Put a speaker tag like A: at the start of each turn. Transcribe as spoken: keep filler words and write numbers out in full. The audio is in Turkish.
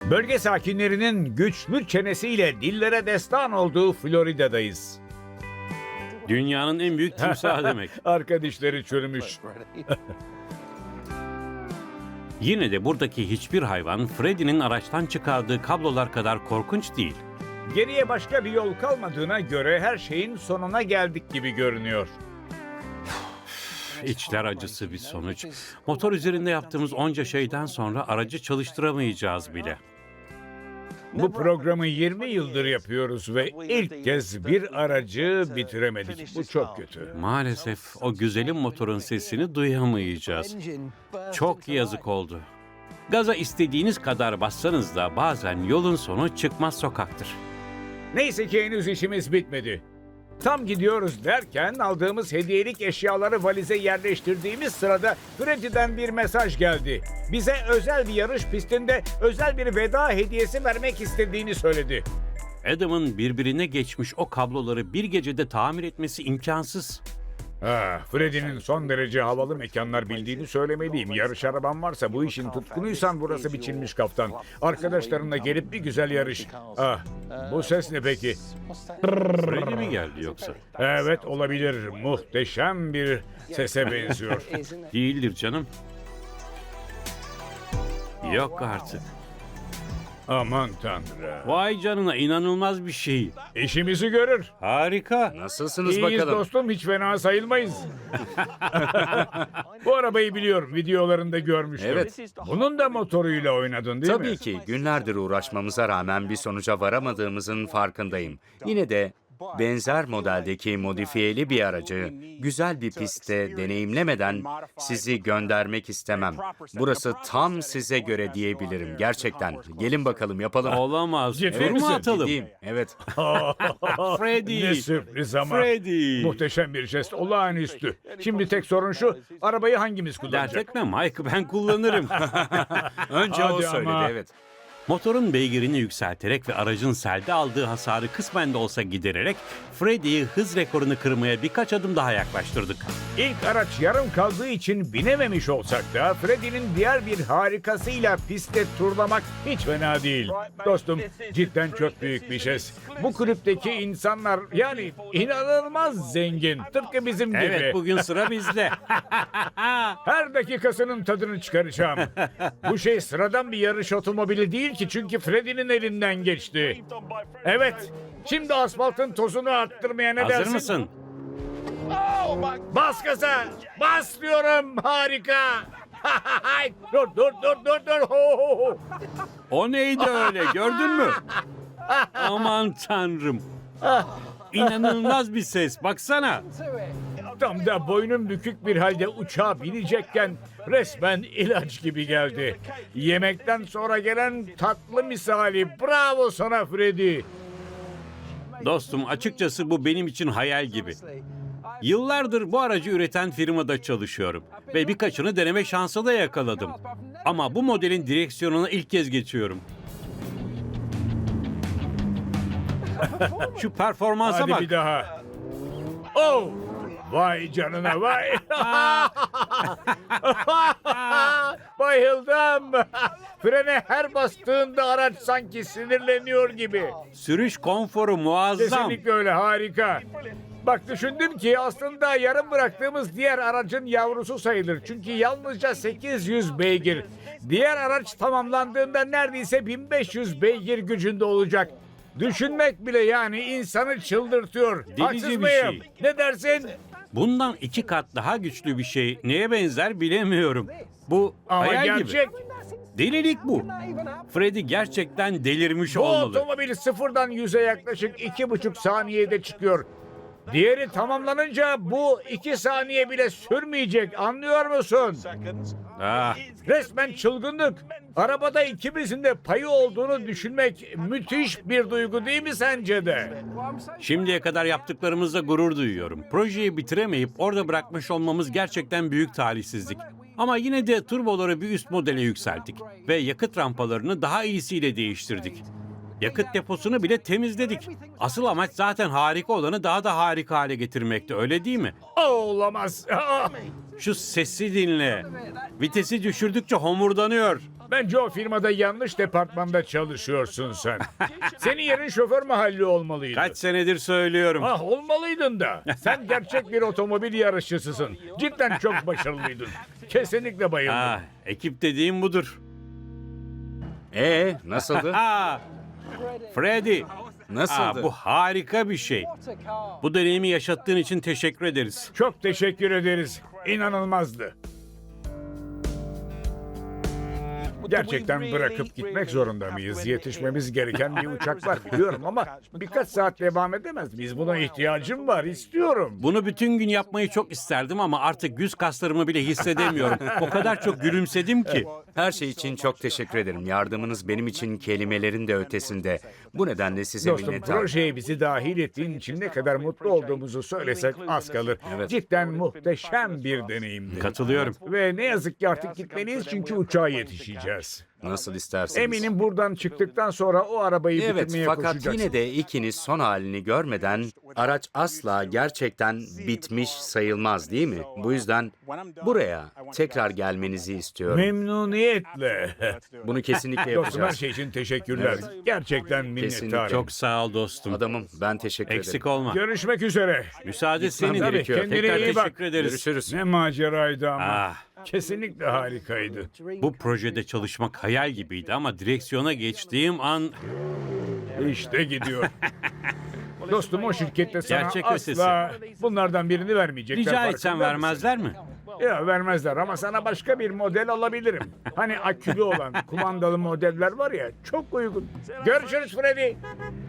A: Bölge sakinlerinin güçlü çenesiyle dillere destan olduğu Florida'dayız.
B: Dünyanın en büyük timsahı demek.
A: Arka dişleri çürümüş.
B: Yine de buradaki hiçbir hayvan Freddy'nin araçtan çıkardığı kablolar kadar korkunç değil.
A: Geriye başka bir yol kalmadığına göre her şeyin sonuna geldik gibi görünüyor.
B: İçler acısı bir sonuç. Motor üzerinde yaptığımız onca şeyden sonra aracı çalıştıramayacağız bile.
A: Bu programı yirmi yıldır yapıyoruz ve ilk kez bir aracı bitiremedik. Bu çok kötü.
B: Maalesef o güzelim motorun sesini duyamayacağız. Çok yazık oldu. Gaza istediğiniz kadar bassanız da bazen yolun sonu çıkmaz sokaktır.
A: Neyse ki henüz işimiz bitmedi. Tam gidiyoruz derken aldığımız hediyelik eşyaları valize yerleştirdiğimiz sırada Freddy'den bir mesaj geldi. Bize özel bir yarış pistinde özel bir veda hediyesi vermek istediğini söyledi.
B: Adam'ın birbirine geçmiş o kabloları bir gecede tamir etmesi imkansız.
A: Ah, Freddy'nin son derece havalı mekanlar bildiğini söylemeliyim. Yarış araban varsa bu işin tutkunuysan burası biçilmiş kaftan. Arkadaşlarınla gelip bir güzel yarış. Ah, bu ses ne peki?
B: Freddy mi geldi yoksa?
A: Evet olabilir. Muhteşem bir sese benziyor.
B: Değildir canım. Yok artık.
A: Aman Tanrım.
B: Vay canına, inanılmaz bir şey.
A: İşimizi görür.
B: Harika.
C: Nasılsınız
A: İyiyiz
C: bakalım?
A: dostum, hiç fena sayılmayız. Bu arabayı biliyorum, videolarında görmüştüm.
C: Evet.
A: Bunun da motoruyla oynadın değil mi?
C: Tabii ki günlerdir uğraşmamıza rağmen bir sonuca varamadığımızın farkındayım. Yine de benzer modeldeki modifiyeli bir aracı güzel bir pistte deneyimlemeden sizi göndermek istemem. Burası tam size göre diyebilirim gerçekten. Gelin bakalım yapalım.
B: Olamaz.
A: Ciddi
B: Tur
A: misin?
B: mu atalım?
C: Gideyim. Evet.
B: Freddy.
A: Ne sürpriz ama.
B: Freddy.
A: Muhteşem bir jest, olağanüstü. Şimdi tek sorun şu, arabayı hangimiz
B: Dert
A: kullanacak?
B: etme Mike, ben kullanırım.
C: Önce
A: Hadi
C: o söyledi
A: ama.
C: evet.
B: Motorun beygirini yükselterek ve aracın selde aldığı hasarı kısmen de olsa gidererek Freddy'yi hız rekorunu kırmaya birkaç adım daha yaklaştırdık.
A: İlk araç yarım kaldığı için binememiş olsak da Freddy'nin diğer bir harikasıyla pistte turlamak hiç fena değil. Dostum, cidden çok büyük bir jest. Bu kulüpteki insanlar yani inanılmaz zengin. Tıpkı bizim gibi.
B: Evet, bugün sıra bizde.
A: Her dakikasının tadını çıkaracağım. Bu şey sıradan bir yarış otomobili değil ki çünkü Freddy'nin elinden geçti. Evet, şimdi asfaltın tozunu arttırmaya ne
B: Hazır
A: dersin?
B: mısın?
A: Bas gaza! Bas diyorum! Harika! dur dur dur dur dur! Ho, ho, ho.
B: O neydi öyle, gördün mü? Aman tanrım. İnanılmaz bir ses, baksana.
A: Tam da boynum bükük bir halde uçağa binecekken resmen ilaç gibi geldi. Yemekten sonra gelen tatlı misali. Bravo sana Freddy!
B: Dostum, açıkçası bu benim için hayal gibi. Yıllardır bu aracı üreten firmada çalışıyorum ve birkaçını deneme şansı da yakaladım. Ama bu modelin direksiyonuna ilk kez geçiyorum. Şu performansa
A: Hadi
B: bak.
A: bir daha. Oh! Vay canına vay! Bayıldım! Frene her bastığında araç sanki sinirleniyor gibi.
B: Sürüş konforu muazzam.
A: Kesinlikle öyle, harika. Bak düşündüm ki aslında yarım bıraktığımız diğer aracın yavrusu sayılır. Çünkü yalnızca sekiz yüz beygir. Diğer araç tamamlandığında neredeyse bin beş yüz beygir gücünde olacak. Düşünmek bile yani insanı çıldırtıyor.
B: Delici
A: Haksız
B: bir
A: mıyım?
B: şey.
A: Ne dersin?
B: Bundan iki kat daha güçlü bir şey neye benzer bilemiyorum. Bu
A: Ama
B: hayal
A: gerçek.
B: gibi. Delilik bu. Freddy gerçekten delirmiş
A: Bu
B: olmalı.
A: otomobil sıfırdan yüze yaklaşık iki buçuk saniyede çıkıyor. Diğeri tamamlanınca bu iki saniye bile sürmeyecek, anlıyor musun?
B: Ah,
A: Resmen çılgınlık. Arabada ikimizin de payı olduğunu düşünmek müthiş bir duygu değil mi sence de?
B: şimdiye kadar yaptıklarımızla gurur duyuyorum. Projeyi bitiremeyip orada bırakmış olmamız gerçekten büyük talihsizlik. Ama yine de turboları bir üst modele yükselttik ve yakıt rampalarını daha iyisiyle değiştirdik. Yakıt deposunu bile temizledik. Asıl amaç zaten harika olanı daha da harika hale getirmekti, öyle değil mi?
A: Aa, olamaz. Aa!
B: Şu sesi dinle. Vitesi düşürdükçe homurdanıyor.
A: Bence o firmada yanlış departmanda çalışıyorsun sen. Senin yerin şoför mahalli olmalıydı.
B: Kaç senedir söylüyorum.
A: Ah olmalıydın da. Sen gerçek bir otomobil yarışçısısın. Cidden çok başarılıydın. Kesinlikle bayıldım.
B: Ah, ekip dediğim budur.
C: Ee, nasıldı?
B: Ha, Freddy.
C: Nasıldı?
B: Aa, bu harika bir şey. Bu deneyimi yaşattığın için teşekkür ederiz.
A: Çok teşekkür ederiz. İnanılmazdı. Gerçekten bırakıp gitmek zorunda mıyız? Yetişmemiz gereken bir uçak var biliyorum ama birkaç saat devam edemez miyiz? Buna ihtiyacım var, istiyorum.
B: Bunu bütün gün yapmayı çok isterdim ama artık yüz kaslarımı bile hissedemiyorum. O kadar çok gülümsedim ki.
C: Her şey için çok teşekkür ederim. Yardımınız benim için kelimelerin de ötesinde. Bu nedenle size
A: Dostum
C: minnettarım.
A: projeye bizi dahil ettiğin için ne kadar mutlu olduğumuzu söylesek az kalır.
C: Evet.
A: Cidden muhteşem bir deneyimdi.
B: Katılıyorum.
A: Ve ne yazık ki artık gitmeliyiz çünkü uçağa yetişeceğiz.
C: Nasıl isterseniz.
A: Eminim buradan çıktıktan sonra o arabayı
C: Evet,
A: bitirmeye
C: fakat
A: koşacaksın.
C: yine de ikiniz son halini görmeden araç asla gerçekten bitmiş sayılmaz değil mi? Bu yüzden buraya tekrar gelmenizi istiyorum.
A: Memnuniyetle.
C: Bunu kesinlikle
A: Dostum her
C: yapacağız.
A: şey için teşekkürler. Gerçekten
C: Kesinlikle.
A: minnettarım.
B: Çok sağ ol dostum.
C: Adamım, ben teşekkür
B: Eksik
C: ederim.
B: olma.
A: Görüşmek üzere.
B: Müsaade
C: Gitmem
B: senin.
C: gerekiyor.
A: Kendine
B: Tekrar
A: iyi bak.
B: teşekkür ederiz.
C: Görüşürüz.
A: Ne maceraydı ama.
B: Ah,
A: Kesinlikle harikaydı.
B: bu projede çalışmak hayal gibiydi ama direksiyona geçtiğim an
A: İşte gidiyor. Dostum o şirkette sana
B: Gerçek
A: asla bunlardan birini vermeyecekler.
B: rica
A: farkında
B: etsem
A: mısın?
B: vermezler mi?
A: Ya vermezler ama sana başka bir model alabilirim. Hani akülü olan kumandalı modeller var ya çok uygun. Görüşürüz Freddy.